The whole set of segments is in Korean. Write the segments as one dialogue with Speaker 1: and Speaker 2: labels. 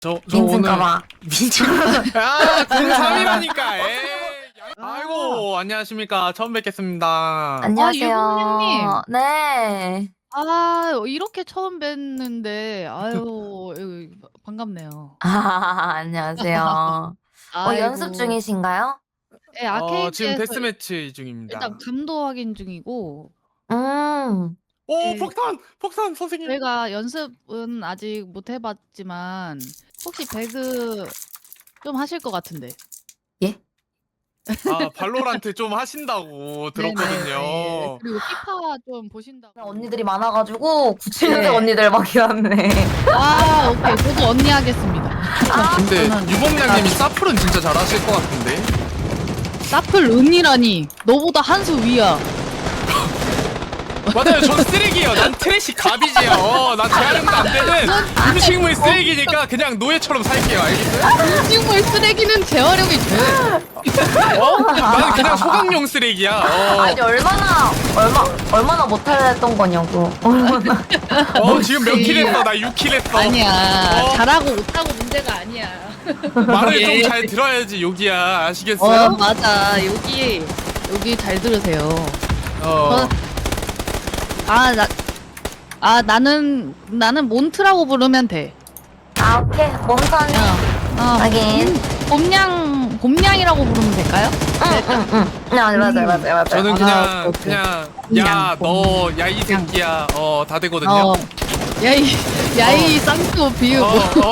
Speaker 1: 저
Speaker 2: 민증가봐.
Speaker 1: 민증. 아, 03이라니까. 에이. 아이고, 안녕하십니까. 처음 뵙겠습니다.
Speaker 2: 안녕하세요.
Speaker 3: 유부녀님.
Speaker 2: 네.
Speaker 3: 아, 이렇게 처음 뵀는데, 아유, 반갑네요.
Speaker 2: 안녕하세요. 연습 중이신가요?
Speaker 3: 네, 아케이드에서
Speaker 1: 지금 데스매치 중입니다.
Speaker 3: 일단 감도 확인 중이고,
Speaker 1: 오,
Speaker 3: 네.
Speaker 1: 폭탄, 선생님.
Speaker 3: 저희가 연습은 아직 못 해봤지만, 혹시 배그 좀 하실 것 같은데.
Speaker 1: 아, 발로란트 좀 하신다고 들었거든요.
Speaker 3: 네네. 그리고 피파 좀 보신다고.
Speaker 2: 언니들이 많아가지고 97년생
Speaker 3: 네.
Speaker 2: 언니들밖에 없네.
Speaker 3: 아, 오케이. 저도 언니 하겠습니다.
Speaker 1: 근데
Speaker 3: 저는-
Speaker 1: 유범량님이 사플은 진짜 잘하실 것 같은데.
Speaker 3: 사플 은이라니. 너보다 한 수 위야.
Speaker 1: 맞아요, 전 쓰레기예요. 난 트래시 갑이지요. 난 재활용도 안 되는 음식물 쓰레기니까 그냥 노예처럼 살게요. 알겠어요?
Speaker 3: 음식물 쓰레기는 재활용이 돼.
Speaker 1: 나는 그냥 소각용 쓰레기야.
Speaker 2: 아니 얼마나 못했던 거냐고.
Speaker 1: 지금 몇 킬 했어? 나 6킬 했어.
Speaker 3: 아니야.
Speaker 1: 어?
Speaker 3: 잘하고 못하고 문제가 아니야.
Speaker 1: 말을
Speaker 3: 예.
Speaker 1: 좀 잘 들어야지, 여기야. 아시겠어요?
Speaker 3: 맞아. 여기 잘 들으세요. 나는 몬트라고 부르면 돼.
Speaker 2: 오케이. 몸선이. 하긴.
Speaker 3: 봄냥이라고 부르면 될까요?
Speaker 2: 응. 맞아요.
Speaker 1: 저는
Speaker 3: 오케이.
Speaker 1: 그냥
Speaker 3: 그냥
Speaker 1: 야 이 새끼야. 다 되거든요.
Speaker 3: 야이 쌍꺼 비우고.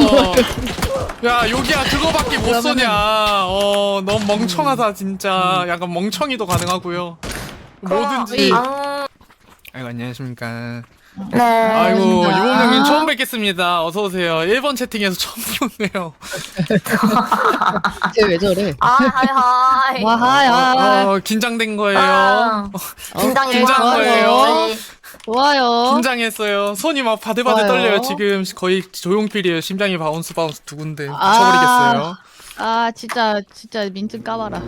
Speaker 1: 야, 여기야 그거밖에 못 쏘냐. 너무 멍청하다 진짜. 약간 멍청이도 가능하고요. 뭐든지. 아이고, 안녕하십니까.
Speaker 2: 네.
Speaker 1: 아이고,
Speaker 3: 안녕하십니까.
Speaker 1: 유범령님 처음 뵙겠습니다. 어서 오세요. 1번 채팅에서 처음 보네요.
Speaker 3: 쟤 왜 저래?
Speaker 2: 하이.
Speaker 3: 와 하이.
Speaker 1: 긴장된 거예요.
Speaker 2: 긴장이
Speaker 1: 긴장 거예요.
Speaker 3: 좋아요.
Speaker 1: 긴장했어요. 손이 막 바들바들
Speaker 3: 좋아요.
Speaker 1: 떨려요. 지금 거의 조용필이에요. 심장이 바운스 두 군데
Speaker 3: 아.
Speaker 1: 미쳐버리겠어요.
Speaker 3: 진짜 민증 까봐라.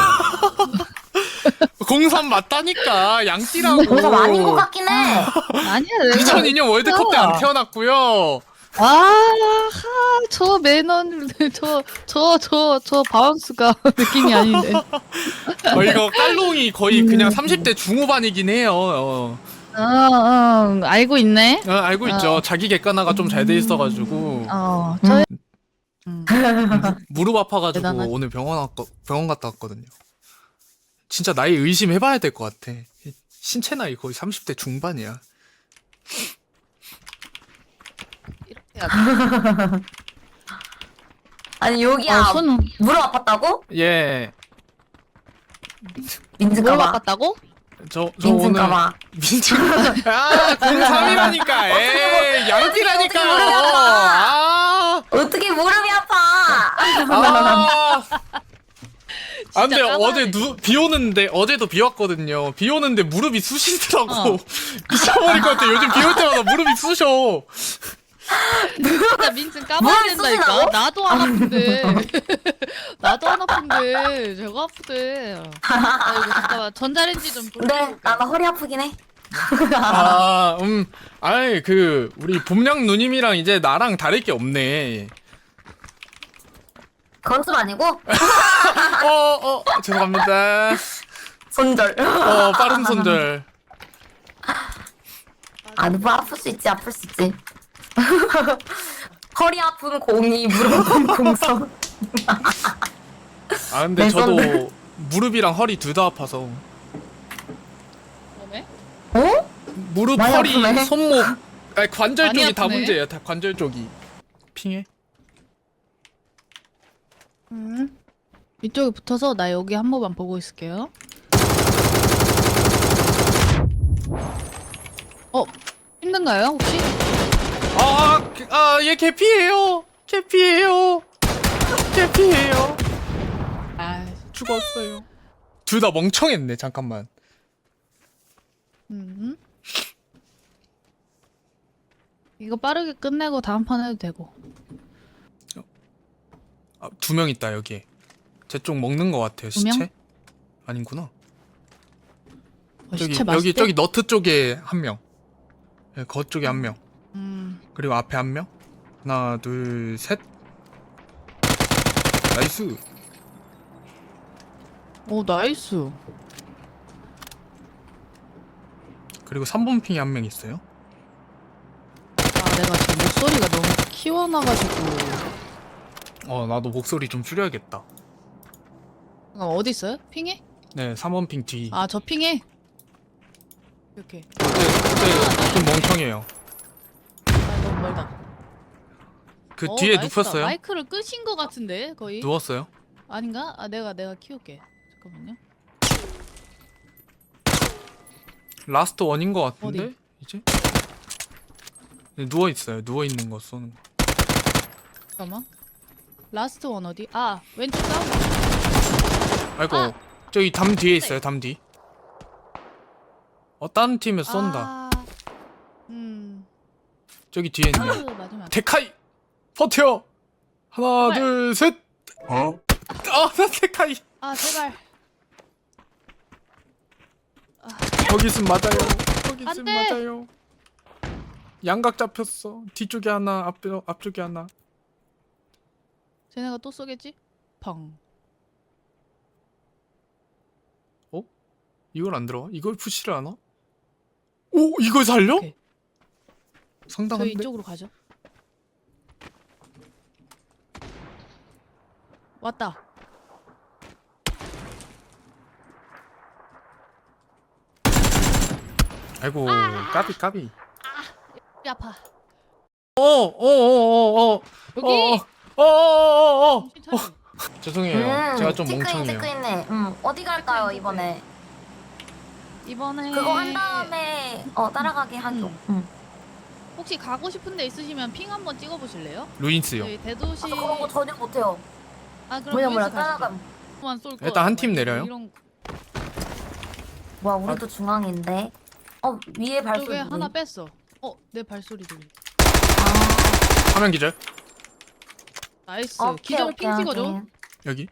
Speaker 1: 03 맞다니까. 양띠라고.
Speaker 2: 그래서 아닌 것 같긴 해.
Speaker 3: 아니야.
Speaker 1: 2002년 월드컵 때 안 태어났고요.
Speaker 3: 저 매너를 저 바운스가 느낌이 아닌데.
Speaker 1: 이거 깔롱이 거의 그냥 30대 중후반이긴 해요.
Speaker 3: 알고 있네.
Speaker 1: 알고 있죠. 자기 객관화가 좀 잘 돼 있어가지고
Speaker 3: 저희
Speaker 1: 무릎 아파가지고
Speaker 3: 대단하지.
Speaker 1: 오늘 병원 갔다 왔거든요. 진짜 나이 의심해봐야 될 것 같아. 신체 나이 거의 30대 중반이야.
Speaker 3: 이렇게 해야 돼.
Speaker 2: 아니 여기야
Speaker 3: 손
Speaker 2: 무릎 아팠다고?
Speaker 1: 예.
Speaker 3: 뭘
Speaker 2: 민증가봐.
Speaker 1: 저
Speaker 3: 바꿨다고?
Speaker 1: 오늘
Speaker 2: 민증가봐.
Speaker 1: 민증 03이라니까. 에이, 양띠라니까.
Speaker 2: 어떻게 무릎이 아파?
Speaker 1: 아,
Speaker 2: 어떻게 무릎이 아파?
Speaker 1: 근데
Speaker 3: 진짜
Speaker 1: 어제 비 오는데 어제도 비 왔거든요. 비 오는데 무릎이 쑤시더라고. 미쳐버릴 것 같아. 요즘 비 올 때마다 무릎이 쑤셔.
Speaker 3: 진짜 민증 까봐야
Speaker 2: 뭘
Speaker 3: 된다니까.
Speaker 2: 쓰시나요?
Speaker 3: 나도 안 아픈데. 나도 안 아픈데. 제가 아프대. 아이고 잠깐만 전자레인지 좀
Speaker 2: 네, 나도 허리 아프긴 해.
Speaker 1: 아이 우리 봄냥 누님이랑 이제 나랑 다를 게 없네.
Speaker 2: 건습 아니고
Speaker 1: 죄송합니다.
Speaker 2: 손절.
Speaker 1: 빠른 손절.
Speaker 2: 뭐 아플 수 있지. 허리 아픈 02, 무릎 아픈 03.
Speaker 1: 근데
Speaker 2: 내
Speaker 1: 저도 무릎이랑 허리 둘 다 아파서.
Speaker 3: 그러네?
Speaker 2: 어?
Speaker 1: 무릎,
Speaker 2: 많이
Speaker 1: 허리,
Speaker 2: 아프네.
Speaker 1: 손목, 관절
Speaker 3: 많이
Speaker 1: 쪽이 다
Speaker 3: 아프네.
Speaker 1: 문제예요. 다 관절 쪽이. 핑해?
Speaker 3: 이쪽에 붙어서 나 여기 한 번만 보고 있을게요. 힘든가요 혹시?
Speaker 1: 얘 개피예요. 개피예요.
Speaker 3: 아,
Speaker 1: 죽었어요. 둘 다 멍청했네. 잠깐만.
Speaker 3: 이거 빠르게 끝내고 다음 판 해도 되고.
Speaker 1: 두 명 있다 여기. 제 쪽 먹는 것 같아요.
Speaker 3: 두 명?
Speaker 1: 시체? 아닌구나.
Speaker 3: 시체 맛있대?
Speaker 1: 저기 너트 쪽에 한 명. 거 쪽에 한 명.
Speaker 3: 음.
Speaker 1: 그리고 앞에 한 명. 하나, 둘, 셋. 나이스.
Speaker 3: 오 나이스.
Speaker 1: 그리고 3번 핑에 한 명 있어요.
Speaker 3: 아 내가 지금 목소리가 너무 키워놔가지고.
Speaker 1: 나도 목소리 좀 줄여야겠다.
Speaker 3: 어디 있어요? 핑해?
Speaker 1: 네, 3번 핑 뒤.
Speaker 3: 아 저 핑해. 이렇게.
Speaker 1: 그때 좀 멍청해요.
Speaker 3: 아 너무 멀다.
Speaker 1: 그 뒤에
Speaker 3: 나이스다.
Speaker 1: 눕혔어요?
Speaker 3: 마이크를 끄신 것 같은데 거의.
Speaker 1: 누웠어요?
Speaker 3: 아닌가? 아 내가 키울게. 잠깐만요.
Speaker 1: 라스트 원인 것 같은데?
Speaker 3: 어디?
Speaker 1: 이제? 네, 누워있어요. 누워있는 거 쏘는 거.
Speaker 3: 잠깐만. 라스트 원 어디? 아 왼쪽 다운.
Speaker 1: 아이고,
Speaker 3: 아!
Speaker 1: 저기 담 뒤에 있어요. 담 뒤. 다른 팀에서 쏜다.
Speaker 3: 아,
Speaker 1: 저기 뒤에 있네.
Speaker 3: 맞으면 안 돼.
Speaker 1: 데카이! 버텨! 하나,
Speaker 3: 제발.
Speaker 1: 둘, 셋! 나 데카이!
Speaker 3: 아 제발.
Speaker 1: 거기 있으면 맞아요. 거기
Speaker 3: 안
Speaker 1: 있으면
Speaker 3: 돼.
Speaker 1: 맞아요. 양각 잡혔어. 뒤쪽에 하나, 앞쪽에 하나.
Speaker 3: 쟤네가 또 쏘겠지? 펑.
Speaker 1: 이걸 안 들어가? 이걸 푸시를 하나? 오! 이걸 살려?
Speaker 3: 오케이. 저희
Speaker 1: 상당한데?
Speaker 3: 이쪽으로 가죠. 왔다.
Speaker 1: 아이고, 까비.
Speaker 3: 이 아파. 여기.
Speaker 1: 죄송해요. 제가 좀 멍청해요.
Speaker 2: 체크인네. 어디 갈까요 이번에?
Speaker 3: 이번에
Speaker 2: 그거 한 다음에 따라가게 하죠.
Speaker 3: 혹시 가고 싶은 데 있으시면 핑 한번 찍어 보실래요?
Speaker 1: 루인스요.
Speaker 3: 저희 대도시.
Speaker 2: 저 그런 거 전혀 못해요.
Speaker 3: 아 그럼
Speaker 2: 뭐야
Speaker 3: 루이스 가시죠.
Speaker 2: 따라가.
Speaker 3: 만 쏠 거.
Speaker 1: 일단 한 팀 내려요.
Speaker 3: 이런
Speaker 2: 뭐야 우리도 중앙인데. 위에 발소리.
Speaker 3: 쪽에
Speaker 2: 누구임?
Speaker 3: 하나 뺐어. 내 발소리 들리.
Speaker 2: 아,
Speaker 1: 화면 기절.
Speaker 3: 나이스.
Speaker 2: 오케이,
Speaker 3: 기절
Speaker 2: 오케이,
Speaker 3: 핑 찍어줘.
Speaker 2: 오케이.
Speaker 1: 여기.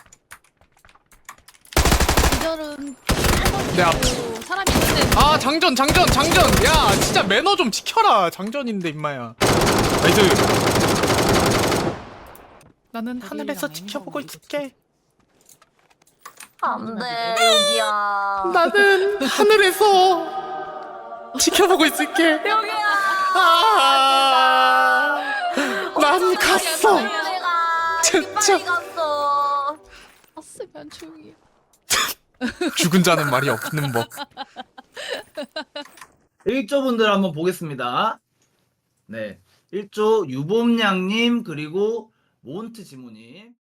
Speaker 3: 기절은
Speaker 1: 내 앞.
Speaker 3: 사람이 있는데.
Speaker 1: 아, 장전. 야, 진짜 매너 좀 지켜라. 장전인데 임마야. 나이스. 나는 하늘에서
Speaker 3: 데빌이랑
Speaker 1: 지켜보고
Speaker 3: 애니가
Speaker 1: 있을게.
Speaker 2: 안돼 여기야.
Speaker 1: 나는 하늘에서 지켜보고 있을게.
Speaker 2: 여기야.
Speaker 1: 난 갔어.
Speaker 2: 내가
Speaker 1: 진짜.
Speaker 2: 빨리 갔어.
Speaker 3: 왔으면 조용히.
Speaker 1: 죽은 자는 말이 없는 법.
Speaker 4: 1조 분들 한번 보겠습니다. 네. 1조 유봄양님 그리고 몬트 지모님.